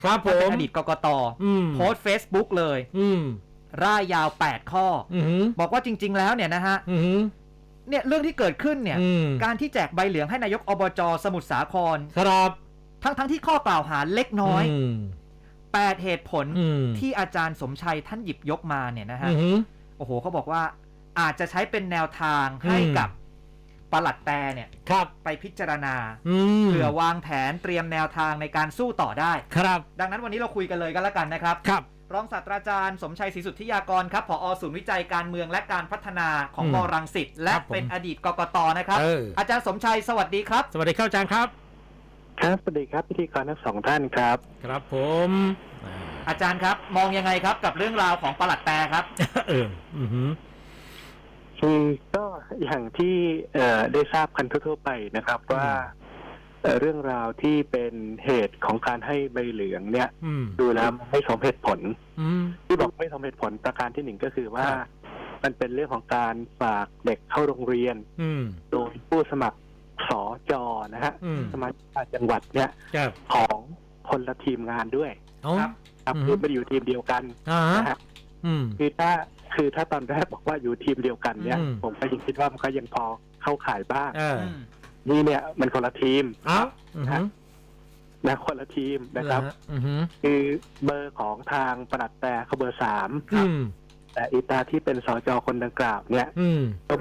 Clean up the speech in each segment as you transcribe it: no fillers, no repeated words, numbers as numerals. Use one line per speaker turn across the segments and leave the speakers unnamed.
ครับผม
เป็นอดีตกกต.โพสต์ Facebook เลยร่ายยาว8ข้อบอกว่าจริงๆแล้วเนี่ยนะฮะเนี่ยเรื่องที่เกิดขึ้นเนี่ยการที่แจกใบเหลืองให้นายกอบจ.สมุทรสาคร
ครับ
ทั้งที่ข้อกล่าวหาเล็กน้อย8เหตุผลที่อาจารย์สมชัยท่านหยิบยกมาเนี่ยนะฮะโอ้โหเขาบอกว่าอาจจะใช้เป็นแนวทางให้กับปลัดแตเนี่ยไปพิจารณาเพื่อวางแผนเตรียมแนวทางในการสู้ต่อได้
ครับ
ดังนั้นวันนี้เราคุยกันเลยกันแล้วกันนะครับรองศาสตราจารย์สมชัยศรีสุทธิยากรครับผอ.ศูนย์วิจัยการเมืองและการพัฒนาของม.รังสิตและเป็นอดีตกกต.นะครับอาจารย์สมชัยสวัสดีครับ
สวัสดีครับอาจารย์ครับ
ครับสวัสดีครับพิธีกรทั้งสองท่านครับ
ครับผม
อาจารย์ครับมองยังไงครับกับเรื่องราวของปลัดแตครับ
คือก็อย่างที่ได้ทราบกันทั่วไปนะครับว่าเรื่องราวที่เป็นเหตุของการให้ใบเหลืองเนี่ยดูแล้วไม่สมเหตุผลที่บอกไม่สมเหตุผลประการที่หนึ่งก็คือว่ามันเป็นเรื่องของการฝากเด็กเข้าโรงเรียนโดยผู้สมัครสจ.นะฮะสมาชิกจังหวัดเนี่ยของคนละทีมงานด้วยครับคือไม่ได้อยู่ทีมเดียวกันนะฮะคือถ้าตอนแรกบอกว่าอยู่ทีมเดียวกันเนี่ยผมก็ยังคิดว่ามันก็ยังพอเข้าข่ายบ้างนี่เนี่ยมันคนละทีมนะคนละทีมนะครับคือเบอร์ของทางปลัดแต่เขาเบอร์3แต่อีตาที่เป็นสจ.คนดังกล่าวเนี่ยก็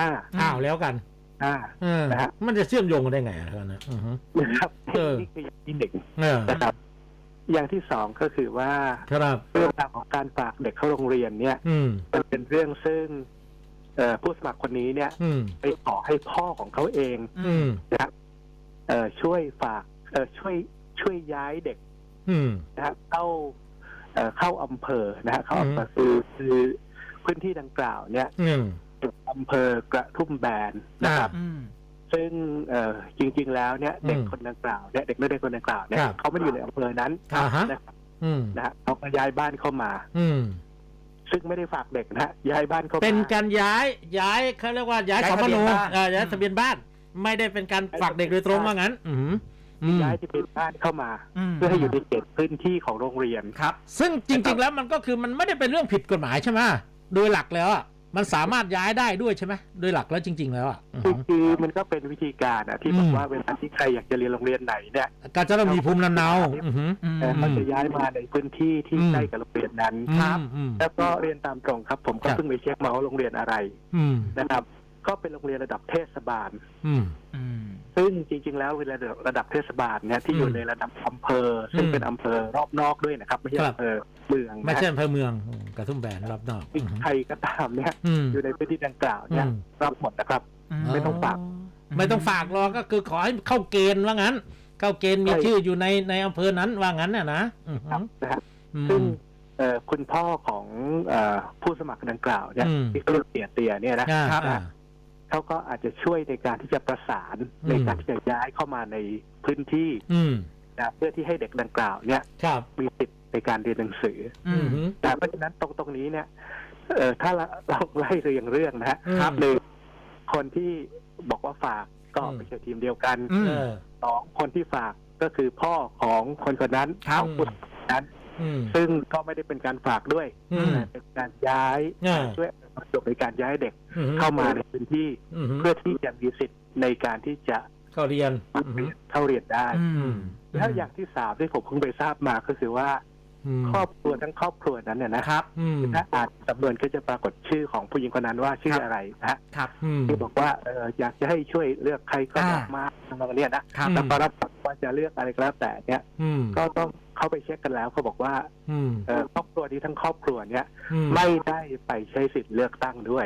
5แล้วกัน
นะฮะ
มันจะเชื่อมโยงกันได้ไงนะครับ
นี่คืออย่างที่หนึ่งนะครับอย่างที่สองก็คือว่าเรื่องราวของการฝากเด็กเข้าโรงเรียนเนี่ยมันเป็นเรื่องซึ่งผู้สมัครคนนี้เนี่ยไปขอให้พ่อของเขาเองนะครับช่วยฝากช่วยย้ายเด็กนะครับเข้าอำเภอนะฮะเข้าอำเภอคือพื้นที่ดังกล่าวเนี่ยอำเภอกระทุ่มแบนนะครับซึ่งจริงๆแล้วเนี่ยเด็กคนดังกล่าวเนี่ยเด็กนักเรียนคนดังกล่าวเนี่ยเขาไม่ได้อยู่ในอำเภอนั้นนะครับนะฮะเขาก็ย้ายบ้านเข้ามาซึ่งไม่ได้ฝากเด็กนะย้ายบ้านเข้ามา
เป็นการย้ายเขาเรียกว่าย้ายสมโนย้ายทะเบียนบ้านไม่ได้เป็นการฝากเด็กโดยตรงว่างั้น
ย้ายที่เป็นบ้านเข้ามาเพื่อให้อยู่ในเขตพื้นที่ของโรงเรียน
ครับซึ่งจริงๆแล้วมันก็คือมันไม่ได้เป็นเรื่องผิดกฎหมายใช่ไหมโดยหลักแล้วมันสามารถย้ายได้ด้วยใช่ไหมโดยหลักแล้วจริงๆแล้ว
คือมันก็เป็นวิธีการที่บอกว่าเวลาที่ใครอยากจะเรียนโรงเรียนไหนเนี่ย
ก็จะต้องมีภูมิลำเนา
เขาจะย้ายมาในพื้นที่ที่ใกล้กับโรงเรียนนั้น
ครับ
แล้วก็เรียนตามตรงครับผมก็เพิ่งไปเช็คมาว่าโรงเรียนอะไรนะครับก็เป็นโรงเรียนระดับเทศบาลซึ่งจริงๆแล้วเวลาระดับเทศบาลเนี่ยที่อยู่ในระดับอำเภอซึ่งเป็นอำเภอรอบนอกด้วยนะครับไม่ใช่อำเภอเมือง
ไม่ใช่อำเภอเมืองกระทุ่มแบนรอบนอก
ใครก็ตามเนี่ยอยู่ในพื้นที่ดังกล่าวเนี่ยรับหมดนะครับไม่ต้องฝ
ากรอก็คือขอให้เข้าเกณฑ์ว่างั้นเข้าเกณฑ์มีชื่ออยู่ในอำเภอนั้นว่างั้นนะ
ซึ่งคุณพ่อของผู้สมัครดังกล่าวเนี่ยที่เขาเรียกเตี่ยเนี่ยนะครับเขาก็อาจจะช่วยในการที่จะประสานในการที่จะย้ายเข้ามาในพื้นที่นะเพื่อที่ให้เด็กดังกล่าวเนี่ยมีสิทธิ์ในการเรียนหนังสือแต่เพราะฉะนั้นตรงนี้เนี่ยถ้าเราไล่เรียงเรื่องนะครับหนึ่งคนที่บอกว่าฝากก็ไม่ใช่ทีมเดียวกันสองคนที่ฝากก็คือพ่อของคนคนนั้นของผู้นั้นซึ่งก็ไม่ได้เป็นการฝากด้วยเป็นการย้ายด้วยจบในการย้ายเด็กเข้ามาในพื้นที่เพื่อที่จะมีสิทธิ์ในการที่จะ
เข้าเรีย
นได้แล้วอย่างที่สามที่ผมเพิ่งไปทราบมาก็คือว่าครอบครัวทั้งครอบครัวนั้นเนี่ยนะครับถ้าอ่านสำนวนก็จะปรากฏชื่อของผู้หญิงคนนั้นว่าชื่ออะไรนะครับที่บอกว่าอยากจะให้ช่วยเลือกใครก็บอกมาทางนี้นะแล้วก็รับว่าจะเลือกอะไรก็แล้วแต่เนี่ยก็ต้องเข้าไปเช็คกันแล้วเขาบอกว่าครอบครัวนี้ทั้งครอบครัวเนี่ยไม่ได้ไปใช้สิทธิ์เลือกตั้งด้วย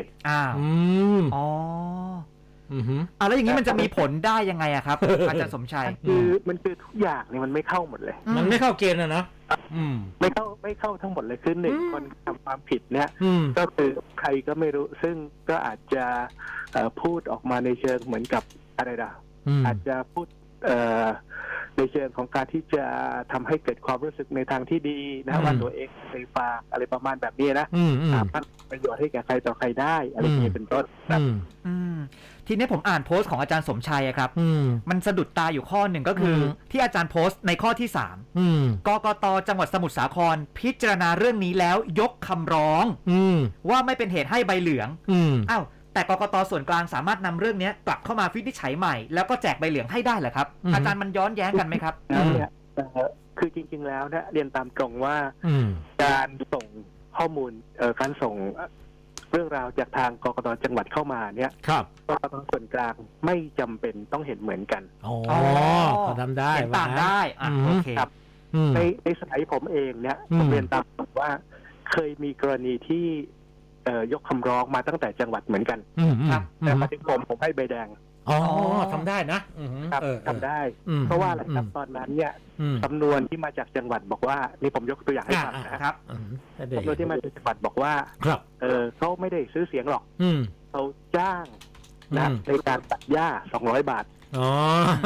แล้วอย่างนี้มันจะมีผลได้ยังไงอะครับอาจารย์สมชัย
มันคือทุกอย่างเนี่ยมันไม่เข้าหมดเลย
มันไม่เข้าเกณฑ์นะ
ไม่เข้าทั้งหมดเลยคือหนึ่งคนทำความผิดเนี่ยก็คือใครก็ไม่รู้ซึ่งก็อาจจะพูดออกมาในเชิงเหมือนกับอะไรอาจจะพูดในเชิงของการที่จะทำให้เกิดความรู้สึกในทางที่ดีนะว่าตัวเองเคยฝากอะไรประมาณแบบนี้นะสามารถประโยชน์ให้แก่ใครต่อใครได้อะไรอย่างนี้เป็นต้นครับ
ทีนี้ผมอ่านโพสต์ของอาจารย์สมชัยครับมันสะดุดตาอยู่ข้อหนึ่งก็คือที่อาจารย์โพสต์ในข้อที่3กกต.จังหวัดสมุทรสาครพิจารณาเรื่องนี้แล้วยกคำร้องว่าไม่เป็นเหตุให้ใบเหลืองอ้าวแต่กกต.ส่วนกลางสามารถนำเรื่องนี้กลับเข้ามาวินิจฉัยใหม่แล้วก็แจกใบเหลืองให้ได้เหรอครับอาจารย์มันย้อนแย้งกันไหมครับ
คือจริงๆแล้วเนี่ยเรียนตามตรงว่าการส่งข้อมูลการส่งเรื่องราวจากทางกกต.จังหวัดเข้ามาเนี่ยกกต.ส่วนกลางไม่จำเป็นต้องเห็นเหมือนกัน
อ๋อเขาทำได้
ต่างได้โอเค
ครับในสมัยผมเองเนี่ยผมเรียนตามตรงว่าเคยมีกรณีที่ยกคำร้องมาตั้งแต่จังหวัดเหมือนกันครับแต่มาถึงผมให้ใบแดง
อ๋อทำได้นะครับ
ทำได้เพราะว่าอะไรครับตอนนั้นเนี่ยสำนวนที่มาจากจังหวัดบอกว่านี่ผมยกตัวอย่างให้ฟังนะครับสำนวนที่มาจากจังหวัดบอกว่าเขาไม่ได้ซื้อเสียงหรอกเขาจ้างนะในการตัดหญ้า200 บาท
อ๋อ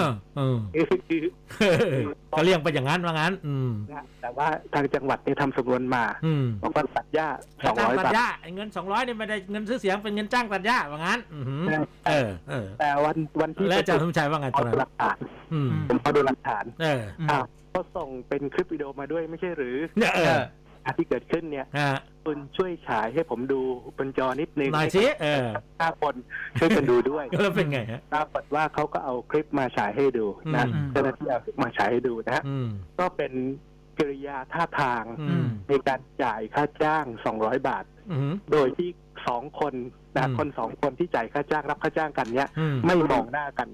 ก็เรียกไปอย่างนั้นว่างั้น
แต่ว่าทางจังหวัดเนี่ยทำสำนวนมาบอกว่าตัดหญ้า200 บาท
เงิน200นี่ไม่ได้เงินซื้อเสียงเป็นเงินจ้างตัดหญ้าว่างั้น
แต่วันที่
แล้วอาจารย์สมชัยว่าไงตอนนั้น
หลักฐานผมเอาดูหลักฐานก็ส่งเป็นคลิปวิดีโอมาด้วยไม่ใช่หรือที่เกิดขึ้นเนี่ยคุณช่วยฉายให้ผมดูบนจอนิดนึง
หน่อยสิ
5 คนช่วยกันดูด้วย
แล้วเป็นไงฮะ
ปรากฏว่าเขาก็เอาคลิปมาฉายให้ดูนะเจ้าหน้าที่เอามาฉายให้ดูนะก็เป็นกิริยาท่าทางในการจ่ายค่าจ้าง200 บาทโดยที่2 คนนะคน2 คนที่จ่ายค่าจ้างรับค่าจ้างกันเนี้ยไม่มองหน้ากัน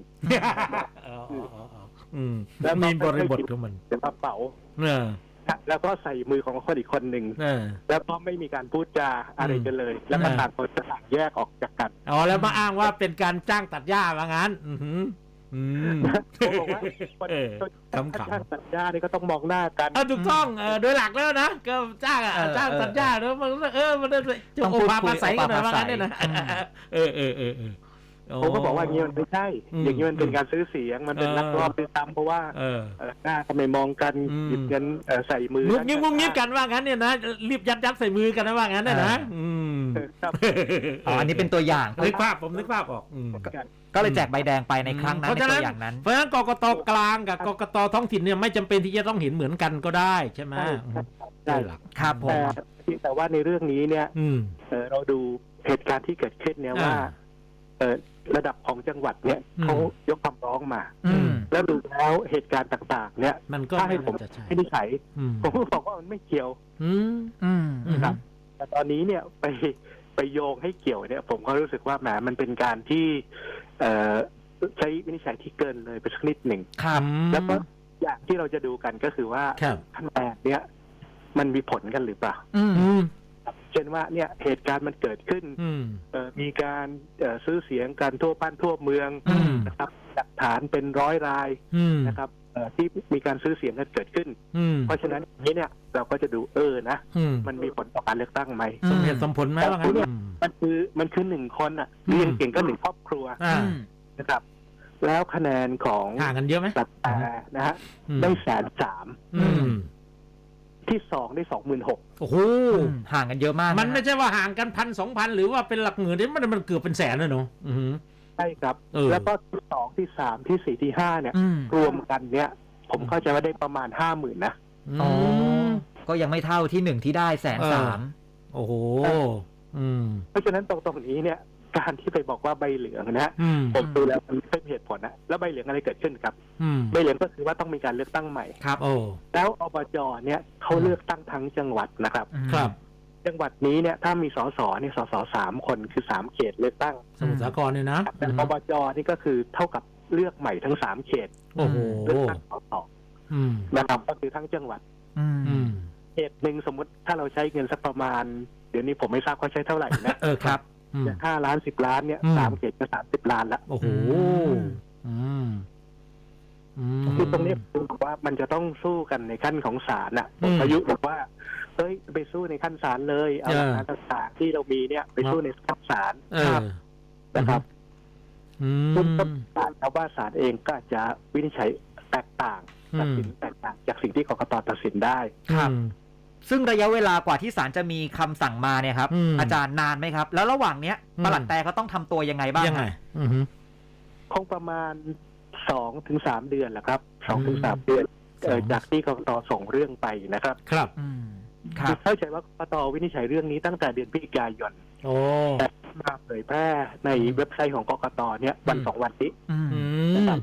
แล้วมีบริบทของมัน
เป็นกระเป๋าแล้วก็ใส่มือของคนอีกคนหนึ่งแล้วก็ไม่มีการพูดจาอะไรกันเลยแล้วก็ต่างคนต่างแยกออกจากกัน
อ๋อแล้วมาอ้างว่าเป็นการจ้างตัดหญ้าว่างั้น
ผมบอกว่าจ้างตัดหญ้านี่ก็ต้องมองหน้ากัน
ถูกต้องโดยหลักแล้วนะก็จ้างตัดหญ้าแล้วมันมันจะโอภาภาษากันหน่อยว่างั้นเนี่ยนะ
ผมก็บอกว่าอย่างนี้มันไม่ใช่อย่างนี้มันเป็นการซื้อเสียงมันเป็นลักลอบด้วยซ้ำเพราะว่าหน้าทำไมมองกันหยิบเงินใส่มืองุบ
งิบกันว่างั้นเนี่ยนะรีบยัดใส่มือกันนะว่างั้นเนี่ยนะ
อันนี้เป็นตัวอย่าง
นึกภาพผมนึกภาพออก
ก็เลยแจกใบแดงไปในครั้งนั้นในตัวอย่างนั้น
เพราะฉะนั้นกกต.กลางกับกกต.ท้องถิ่นเนี่ยไม่จำเป็นที่จะต้องเห็นเหมือนกันก็ได้ใช่ไหม
ใช่หลัก
ครับผม
แต่ว่าในเรื่องนี้เนี่ยเราดูเหตุการณ์ที่เกิดขึ้นเนี่ยว่าระดับของจังหวัดเนี่ยเขายกคำร้องมาแล้วดูแล้วเหตุการณ์ต่างๆเนี่ยถ้าให้ผมไม่ได้ใช้ผมก็บอกว่ามันไม่เกี่ยวครับแต่ตอนนี้เนี่ยไปโยงให้เกี่ยวเนี่ยผมก็รู้สึกว่าแหมมันเป็นการที่ใช้วินิจฉัยที่เกินเลยไปสักนิดหนึ่งแล้วก็อย่างที่เราจะดูกันก็คือว่าคะแนนเนี่ยมันมีผลกันหรือเปล่าเช่นว่าเนี่ยเหตุการณ์มันเกิดขึ้นมีการซื้อเสียงกันทั่วบ้านทั่วเมืองนะครับหลักฐานเป็น100 รายนะครับที่มีการซื้อเสียงกันเกิดขึ้นเพราะฉะนั้นนี้เนี่ยเราก็จะดูนะมันมีผลต่อการเลือกตั้งไหม
สมเหตุสมผลไหมว่างั้น
มันคือ1 คนเรียนเก่งก็1 ครอบครัวนะครับแล้วคะแนนของ
ห่างกันเยอะไหม
นะฮะได้130,000ที่2ได้ 26,000
โอ้โห
ห่างกันเยอะมาก
มันไม่ใช่ว่าห่างกัน 1,000-2,000 หรือว่าเป็นหลักหมื่นนี่มันเกือบเป็นแสนเลยเนาะ
ใช่ครับแล้วก็ที่2ที่3ที่4ที่5เนี่ยรวมกันเนี่ยผมเข้าใจว่าได้ประมาณ 50,000 นะ
ก็ยังไม่เท่าที่1ที่ได้130,000
โอ้โห
เพราะฉะนั้นตรงนี้เนี่ยการที่ไปบอกว่าใบเหลืองนะผมดูแล้วมันไม่เป็นเหตุผลนะแล้วใบเหลืองอะไรเกิดขึ้นครับใบเหลืองก็คือว่าต้องมีการเลือกตั้งใหม่
ครับ
แล้วอบจเนี่ยเขาเลือกตั้งทั้งจังหวัดนะครับ
ครับ
จังหวัดนี้เนี่ยถ้ามีสสเนี่ยสส3 คนคือ3 เขตเลือกตั้ง
สมุทรสาครเนี่ยนะ
แต่อบจนี่ก็คือเท่ากับเลือกใหม่ทั้ง3 เขต
โอ้โห
เลือกตั้งสสนะครับก็คือทั้งจังหวัดเขตหนึ่งสมมติถ้าเราใช้เงินสักประมาณเดี๋ยวนี้ผมไม่ทราบเขาใช้เท่าไหร่นะครับ5 ล้าน 10 ล้านเนี่ย3 เขตก็30 ล้านละ
โอ้โห
คือตรงนี้ผมบอกว่ามันจะต้องสู้กันในขั้นของศาลผมประยุกต์บอกว่าเฮ้ยไปสู้ในขั้นศาลเลยเอาหลักฐานต่างๆที่เรามีเนี่ยไปสู้ในขั้นศาลนะครับซึ่งก็ศาลครับว่าศาลเองก็จะวินิจฉัยแตกต่างตัดสินแตกต่างจากสิ่งที่กกตตัดสินได้
ครับซึ่งระยะเวลากว่าที่ศาลจะมีคำสั่งมาเนี่ยครับอาจารย์นานไหมครับแล้วระหว่างเนี้ยปลัดแต่เขาต้องทำตัวยังไงบ้างยังไง
คงประมาณ 2-3 เดือนแหละครับ2-3 เดือนจากที่กกตส่งเรื่องไปนะครับ
ครับ
เข้าใจว่ากกตวินิจฉัยเรื่องนี้ตั้งแต่เดือนพฤศจิกายนแต่มาเผยแพร่ในเว็บไซต์ของกกตเนี่ยวัน2 วันนี้นะครับ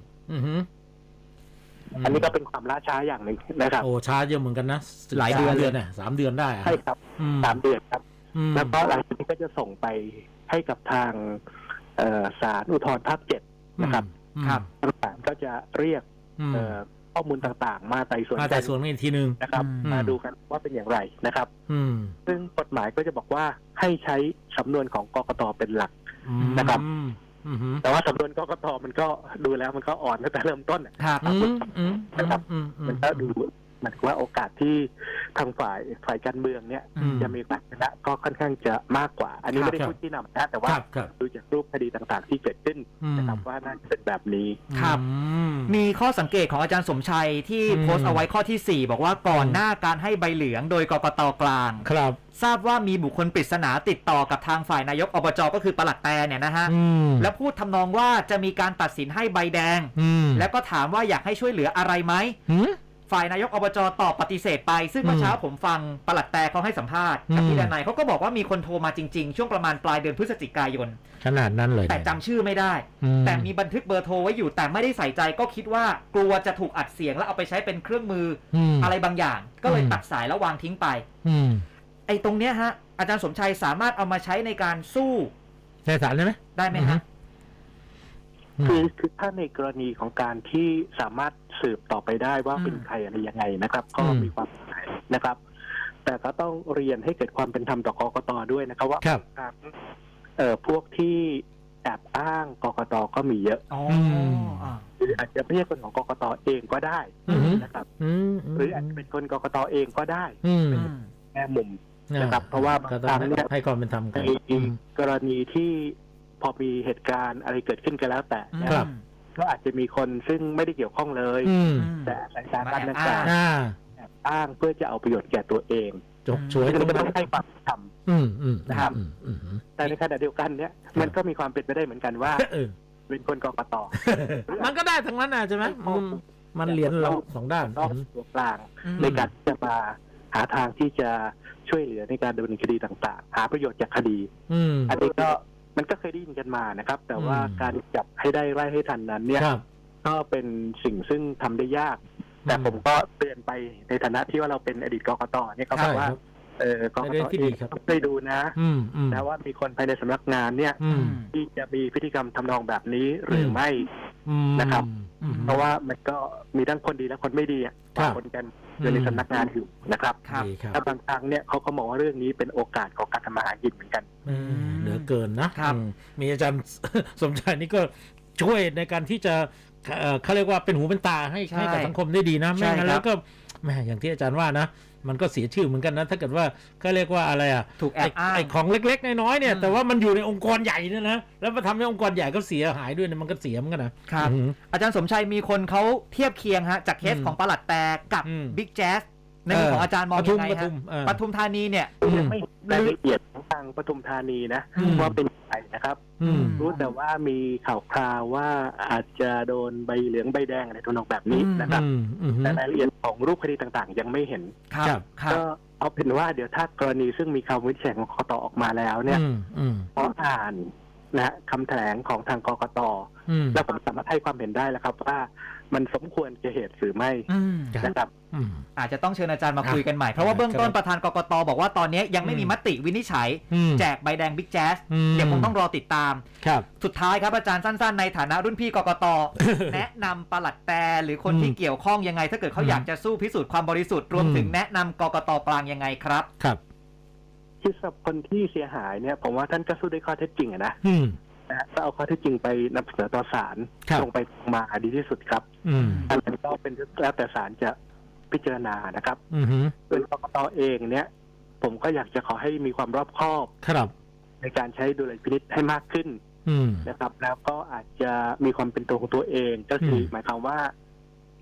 อันนี้ก็เป็นความล่าช้าอย่างหนึ่งนะครับ
โอ้ช้าเยอะเหมือนกันนะ
หลายเดือน
เนี่ย3 เดือนได้
ใช่ครับ3 เดือนครับแล้วก็หลังจากนี้ก็จะส่งไปให้กับทางศาลอุทธรณ์ภาค 7นะครับศาลก็จะเรียกข้อมูลต่างๆมาไต่สวน
อีกทีนึง
นะครับมาดูกันว่าเป็นอย่างไรนะครับซึ่งกฎหมายก็จะบอกว่าให้ใช้สำนวนของกกตเป็นหลักนะครับแต่ว่าสำนวนกกตมันก็ดูแล้วมันก็อ่อนตั้งแต่เริ่มต้นนะครับมันก็ดูมันว่าโอกาสที่ทางฝ่ายการเมืองเนี่ยจะมีการชนะก็ค่อนข้างจะมากกว่าอันนี้ไม่ได้พูดที่นำนะแต่ว่าดูจากรูปคดีต่างๆที่เกิดขึ้นนะครับว่าน่าจะเป็นแบบนี้
ครับมีข้อสังเกตของอาจารย์สมชัยที่โพสต์เอาไว้ข้อที่4บอกว่าก่อนหน้าการให้ใบเหลืองโดยกกตกลาง
ครับ
ทราบว่ามีบุคคลปริศนาติดต่อกับทางฝ่ายนายกอบจก็คือปลัดแต่เนี่ยนะฮะแล้วพูดทำนองว่าจะมีการตัดสินให้ใบแดงแล้วก็ถามว่าอยากให้ช่วยเหลืออะไรไหมฝ่ายนายกอบจตอบปฏิเสธไปซึ่งเมื่อเช้าผมฟังปลัดแต่เขาให้สัมภาษณ์กับพี่ดนัยเขาก็บอกว่ามีคนโทรมาจริงๆช่วงประมาณปลายเดือนพฤศจิกายน
ขนาดนั้นเลย
แต่จำชื่อไม่ได้แต่มีบันทึกเบอร์โทรไว้อยู่แต่ไม่ได้ใส่ใจก็คิดว่ากลัวจะถูกอัดเสียงแล้วเอาไปใช้เป็นเครื่องมืออะไรบางอย่างก็เลยตัดสายแล้ววางทิ้งไปไอ้ตรงเนี้ยฮะอาจารย์สมชัยสามารถเอามาใช้ในการสู้
ในศาลได้ไหม
ได้ไหมฮะ
คือถ้าในกรณีของการที่สามารถสืบต่อไปได้ว่าเป็นใครอะไรยังไงนะครับก็มีความหมายนะครับ แต่ก็ต้องเรียนให้เกิดความเป็นธรรมต่อกกตด้วยนะครับว่าพวกที่แอบอ้างกกตก็มีเยอะหรืออาจจะไม่ใช่คนของกกตเองก็ได้นะครับหรืออาจจะเป็นคนกกตเองก็ได้เป็นแง่มุมนะครับเพราะว่าบางครั้งเนี่ย
ให้ความเป็นธรรมกัน
กรณีที่พอมีเหตุการณ์อะไรเกิดขึ้นก็แล้วแต่ก็อาจจะมีคนซึ่งไม่ได้เกี่ยวข้องเลยแต่สายการต่างๆอ้างเพื่อจะเอาประโยชน์แก่ตัวเอง
จบช่วย
ก็ต้องให้ความธรรมนะครับแต่ในขณะเดียวกันเนี่ยมันก็มีความเป็นไปได้เหมือนกันว่าเป็นคนกกต
มันก็ได้ทั้งนั้นนะใช่ไหมมันเหรียญเรา2 ด้าน
ตัวกลางในการจะมาหาทางที่จะช่วยเหลือในการดำเนินคดีต่างๆหาประโยชน์จากคดีอันนี้ก็มันก็เคยได้ยินกันมานะครับแต่ว่าการจับให้ได้ไล่ให้ทันนั้นเนี่ยก็เป็นสิ่งซึ่งทำได้ยากแต่ผมก็เตือนไปในฐานะที่ว่าเราเป็นอดีตกกตเนี่ยก็บอกว่ากกตเองต้องไปดูนะนะว่ามีคนภายในสำนักงานเนี่ยที่จะมีพฤติกรรมทำนองแบบนี้หรือไม่นะครับเพราะว่ามันก็มีทั้งคนดีและคนไม่ดีปะปนกันอยู่ในสำนักงานอยู่นะครับแต่บางครั้งเนี่ยเขาก็มองว่าเรื่องนี้เป็นโอกาสของการทำมาหากินเหมือนกัน
เหลือเกินนะมีอาจารย์สมชายนี่ก็ช่วยในการที่จะเขาเรียกว่าเป็นหูเป็นตาให้กับสังคมได้ดีนะไม่งั้นแล้วก็แม่อย่างที่อาจารย์ว่านะมันก็เสียชื่อเหมือนกันนะถ้าเกิดว่าเขาเรียกว่าอะไร
ถูกแอบอ้าง
ไอ้ของเล็กๆน้อยๆเนี่ยแต่ว่ามันอยู่ในองค์กรใหญ่เนี่ยนะแล้วมาทำให้องค์กรใหญ่ก็เสียหายด้วยเนี่ยมันก็เสียเหมือนกัน
นะครับอาจารย์สมชัยมีคนเขาเทียบเคียงฮะจากเคสของปลัดแต่กับบิ๊กแจ๊สในมุมของอาจารย์มองยังไงฮะปทุมธานีเนี่ย
ไม่รายละเอียดของทางปทุมธานีนะว่าเป็นใครนะครับรู้แต่ว่ามีข่าวคราวว่าอาจจะโดนใบเหลืองใบแดงอะไรทำนองแบบนี้นะครับแต่รายละเอียดของรูปคดีต่างๆยังไม่เห็นก็เอาเป็นว่าเดี๋ยวถ้ากรณีซึ่งมีคำวินิจฉัยของกกตออกมาแล้วเนี่ยพออ่านนะคำแถลงของทางกกตแล้วผมสามารถให้ความเห็นได้แล้วครับว่ามันสมควรจะเหตุหรือไม่นะครับ
อาจจะต้องเชิญอาจารย์มาคุยกันใหม่เพราะว่าเบื้องต้นประธานกกตบอกว่าตอนนี้ยังไม่มีมติวินิจฉัยแจกใบแดงบิ๊กแจ๊สเดี๋ยวคงต้องรอติดตามสุดท้ายครับอาจารย์สั้นๆในฐานะรุ่นพี่กกต แนะนำปลัดแต่หรือคนที่เกี่ยวข้องยังไงถ้าเกิดเขาอยากจะสู้พิสูจน์ความบริสุทธิ์รวมถึงแนะนำกกตกลางยังไงครับ
ที่สำหรับคนที่เสียหายเนี่ยผมว่าท่านก็สู้ด้วยข้อเท็จจริงนะก็เอาข้อเท็จจริงไปนำเสนอต่อศาลลงไปมาดีที่สุดครับอันนั้นก็เป็นแล้วแต่ศาลจะพิจารณานะครับโดยกกตเองเนี่ยผมก็อยากจะขอให้มีความรอบคอบในการใช้ดุลยพินิจให้มากขึ้นนะครับแล้วก็อาจจะมีความเป็นตัวของตัวเองก็คือหมายความว่า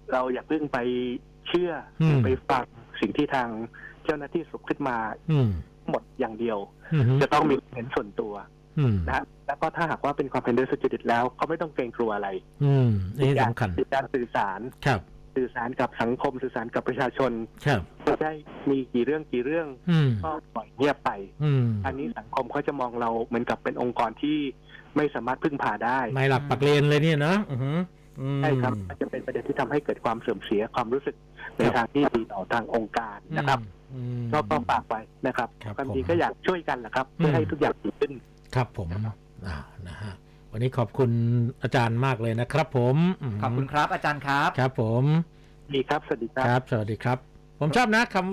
เราอย่าเพิ่งไปเชื่อไปฟังสิ่งที่ทางเจ้าหน้าที่สรุปขึ้นมาหมดอย่างเดียวจะต้องมีเห็นส่วนตัวนะแล้วก็ถ้าหากว่าเป็นความเห็นโดยสุจริตแล้วเขาไม่ต้องเกรงกลัวอะไร
นี่สำคัญ
การสื่อสารสื่อสารกับสังคมสื่อสารกับประชาชนจะได้มีกี่เรื่องก็ปล่อยเงียบไปอันนี้สังคมเขาจะมองเราเหมือนกับเป็นองค์กรที่ไม่สามารถพึ่งพาได้
ไม่หลักปักเลนเลยเนี่ยนะ
ใช่ครับจะเป็นประเด็นที่ทำให้เกิดความเสื่อมเสียความรู้สึกในทางที่ดีต่อทางองค์การนะครับก็ฝากไว้นะครับความจริงก็อยากช่วยกันแหละครับเพื่อให้ทุกอย่างดีขึ้น
ครับผมนะฮะวันนี้ขอบคุณอาจารย์มากเลยนะครับผม
ขอบคุณครับอาจารย์ครับ
ครับผม
ดีครับสวัสดี
ครับสวัสดีครับผมชอบนะคำ